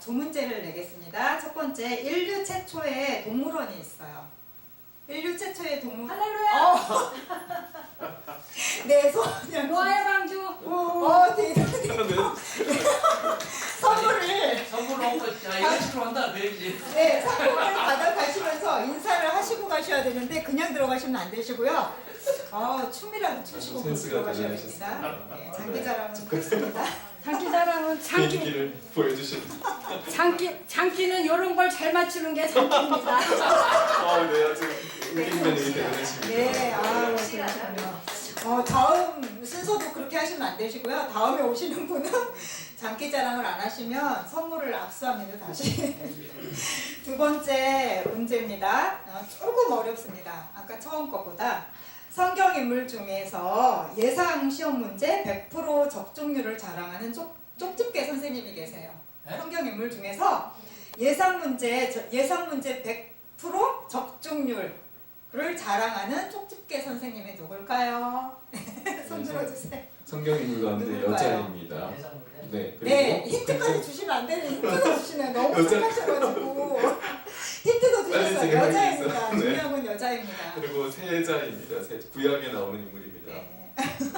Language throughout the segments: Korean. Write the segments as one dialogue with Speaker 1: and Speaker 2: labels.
Speaker 1: 두 문제를 내겠습니다. 첫 번째, 인류 최초의 동물원이 있어요. 인류 최초의 동물원.
Speaker 2: 할렐루야!
Speaker 1: 네, 소년.
Speaker 2: 노아의 방주!
Speaker 1: 대단해요. 선물을.
Speaker 3: 선물로 온 거, 야, 이런 식으로 한다, 그래야지.
Speaker 1: 네, 상품을 받아가시면서 인사를 하시고 가셔야 되는데 그냥 들어가시면 안 되시고요. 춤이라도 추시고 들어가셔야 됩니다. 네, 장기자랑은 끝입니다.
Speaker 2: 장기자랑은
Speaker 4: 비행기를 보여주신.
Speaker 2: 장기는 이런 걸 잘 맞추는 게 장기입니다.
Speaker 4: 네, 아주 웃긴 면이 대단하십니다.
Speaker 1: 네, 그러시군요. 다음 순서도 그렇게 하시면 안 되시고요. 다음에 오시는 분은 장기자랑을 안 하시면 선물을 압수합니다. 다시. 두 번째 문제입니다. 조금 어렵습니다. 아까 처음 거보다. 성경 인물 중에서 예상 시험 문제 100% 적중률을 자랑하는 쪽집게 선생님이 계세요.
Speaker 3: 네?
Speaker 1: 성경 인물 중에서 예상 문제 100% 적중률을 자랑하는 쪽집게 선생님이 누굴까요? 손 들어주세요.
Speaker 4: 성경 인물 가운데
Speaker 1: 누굴까요?
Speaker 4: 여자입니다.
Speaker 3: 예상 문제.
Speaker 4: 네, 그리고
Speaker 1: 네, 힌트까지 주시면 안 되는 힌트도 주시네요. 너무 착하셔가지고 힌트도
Speaker 4: 빨리
Speaker 1: 주셨어요.
Speaker 4: 생각이
Speaker 1: 여자입니다.
Speaker 4: 있어요. 네.
Speaker 1: 중요한 여자입니다.
Speaker 4: 그리고 세자입니다. 구약에 나오는 인물입니다.
Speaker 1: 네.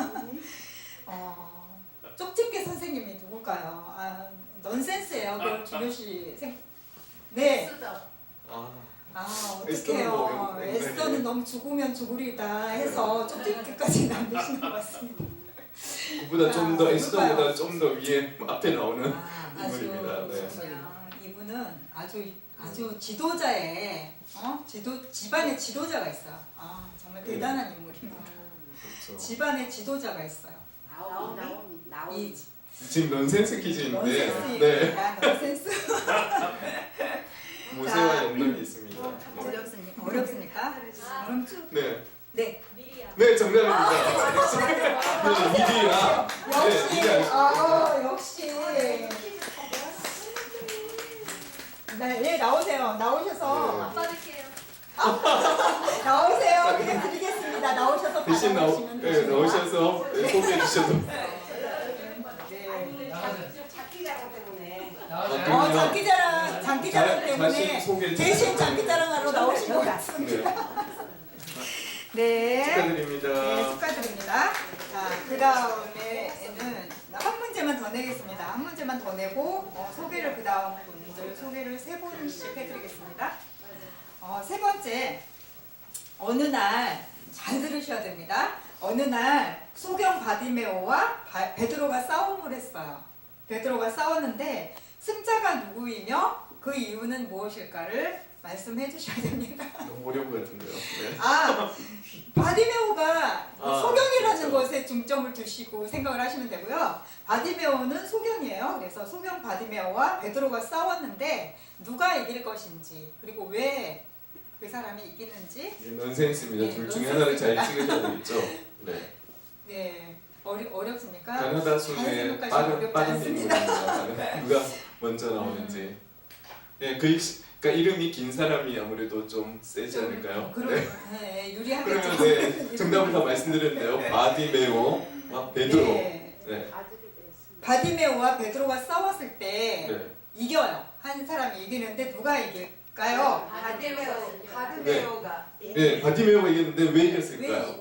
Speaker 1: 쪽집게 선생님이 누굴까요? 넌센스예요. 그걸 준효씨 네.
Speaker 4: 에스더는
Speaker 1: 어떡해요.
Speaker 4: 뭐, 네.
Speaker 1: 에스더는 너무 죽으면 죽으리다 해서 쪽집게까지는 안 되시는 것 같습니다.
Speaker 4: 그보다 좀 더
Speaker 1: 누굴까요?
Speaker 4: 에스더보다 좀 더 위에 앞에 나오는 인물입니다. 네.
Speaker 1: 이분은 아주 지도자의 집안의 지도자가 있어요. 정말
Speaker 4: 네.
Speaker 1: 대단한 인물입니다.
Speaker 4: 그렇죠.
Speaker 1: 집안의 지도자가 있어요. 이
Speaker 4: 지금 넌센스 퀴즈인데, 네,
Speaker 1: 넌센스입니다. 넌센스.
Speaker 4: 모세와 연관이 있습니다.
Speaker 1: 어렵습니까? 그럼
Speaker 4: 네,
Speaker 1: 네.
Speaker 4: 네 정답입니다. 네, 미리야.
Speaker 1: 역시
Speaker 4: 네,
Speaker 1: 역시 네, 나오세요. 나오셔서 나오세요. 그냥 드리겠습니다. 나오셔서
Speaker 4: 대신
Speaker 1: 받아가시면
Speaker 4: 네,
Speaker 1: 되십니다.
Speaker 4: 나오셔서 소개해 주셔도.
Speaker 1: 장기자랑 때문에
Speaker 4: 자신 소개를
Speaker 1: 대신
Speaker 4: 좀
Speaker 1: 장기자랑하러 나오신 것 같습니다. 네.
Speaker 4: 축하드립니다.
Speaker 1: 네, 축하드립니다. 자, 그 다음에는 한 문제만 더 내겠습니다. 한 문제만 더 내고 소개를 그 다음 분들 소개를 세 분씩 해드리겠습니다. 세 번째, 어느 날 잘 들으셔야 됩니다. 어느 날 소경 바디메오와 베드로가 싸움을 했어요. 베드로가 싸웠는데 승자가 누구이며 그 이유는 무엇일까를 말씀해 주셔야 됩니다.
Speaker 4: 너무 어려운 것 같은데요. 네.
Speaker 1: 바디메오가 소경이라는
Speaker 4: 그렇죠.
Speaker 1: 것에 중점을 두시고 생각을 하시면 되고요. 바디메오는 소경이에요. 그래서 소경 바디메오와 베드로가 싸웠는데 누가 이길 것인지 그리고 왜 그 사람이 이기는지
Speaker 4: 넌센스입니다.
Speaker 1: 네,
Speaker 4: 둘 중에 하나를 잘
Speaker 1: 넌센스입니다.
Speaker 4: 찍으셔야 되겠죠. 네.
Speaker 1: 네 어렵습니까?
Speaker 4: 가나다
Speaker 1: 잘
Speaker 4: 순의
Speaker 1: 생각하시면 어렵지
Speaker 4: 빠른
Speaker 1: 않습니다.
Speaker 4: 인물입니다. 누가 먼저 나오는지. 네, 그러니까 이름이 긴 사람이 아무래도 좀 세지 않을까요? 네.
Speaker 1: 네, 유리하겠죠.
Speaker 4: 그러면 네, 정답을 다 말씀드렸는데요. 바디메오와 베드로.
Speaker 1: 네.
Speaker 4: 네.
Speaker 1: 바디메오와 베드로가 싸웠을 때
Speaker 4: 네.
Speaker 1: 이겨요. 한 사람이 이기는데 누가 이길까요?
Speaker 5: 바디메오가
Speaker 4: 네, 바디메오가 이겼는데 왜 이겼을까요?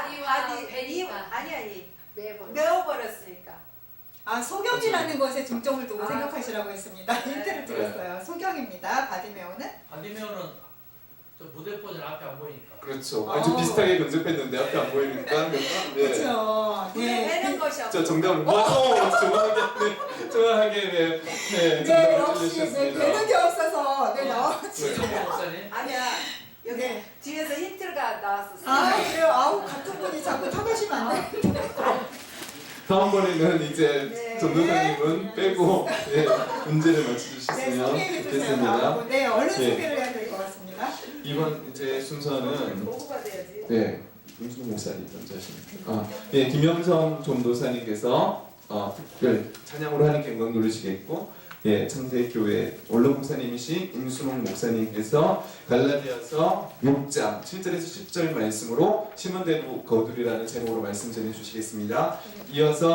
Speaker 5: 메워버렸으니까.
Speaker 1: 소경이라는 것에 중점을 두고 생각하시라고 했습니다. 힌트를 드렸어요. 소경입니다. 바디메오는
Speaker 3: 반디메오는 저 무대포전 앞에 안 보이니까.
Speaker 4: 그렇죠. 좀 비슷하게 근접했는데 앞에 안 보이니까. 네.
Speaker 1: 그렇죠. 네.
Speaker 5: 내는 것이 없고.
Speaker 4: 저 정답을 정확하게 네,
Speaker 1: 네,
Speaker 4: 정답을
Speaker 1: 역시
Speaker 4: 주셨습니다.
Speaker 1: 되는 게 없어서 나왔지.
Speaker 3: 정보 목사님.
Speaker 5: 아니야. 여기
Speaker 1: 네.
Speaker 5: 뒤에서 힌트가 나왔었어.
Speaker 1: 그래요. 같은 분이 자꾸 타가시면 안 돼요.
Speaker 4: 다음번에는 이제
Speaker 1: 네.
Speaker 4: 전도사님은 빼고 문제를
Speaker 1: 네,
Speaker 4: 맞춰주셨으면
Speaker 1: 소개해 주세요.
Speaker 4: 좋겠습니다.
Speaker 1: 네, 얼른
Speaker 4: 네.
Speaker 1: 소개를 해야 될 것 같습니다.
Speaker 4: 이번 이제 순서는
Speaker 5: 보고가 돼야지.
Speaker 4: 네, 김순호 목사님 먼저 하십니다. 네, 김영성 전도사님께서 특별 찬양으로 하는 경광 누르시겠고, 예, 창세교회 원로 목사님이신 임순홍 목사님께서 갈라디아서 6장 7절에서 10절 말씀으로 심은 대로 거두리라는 제목으로 말씀 전해 주시겠습니다. 이어서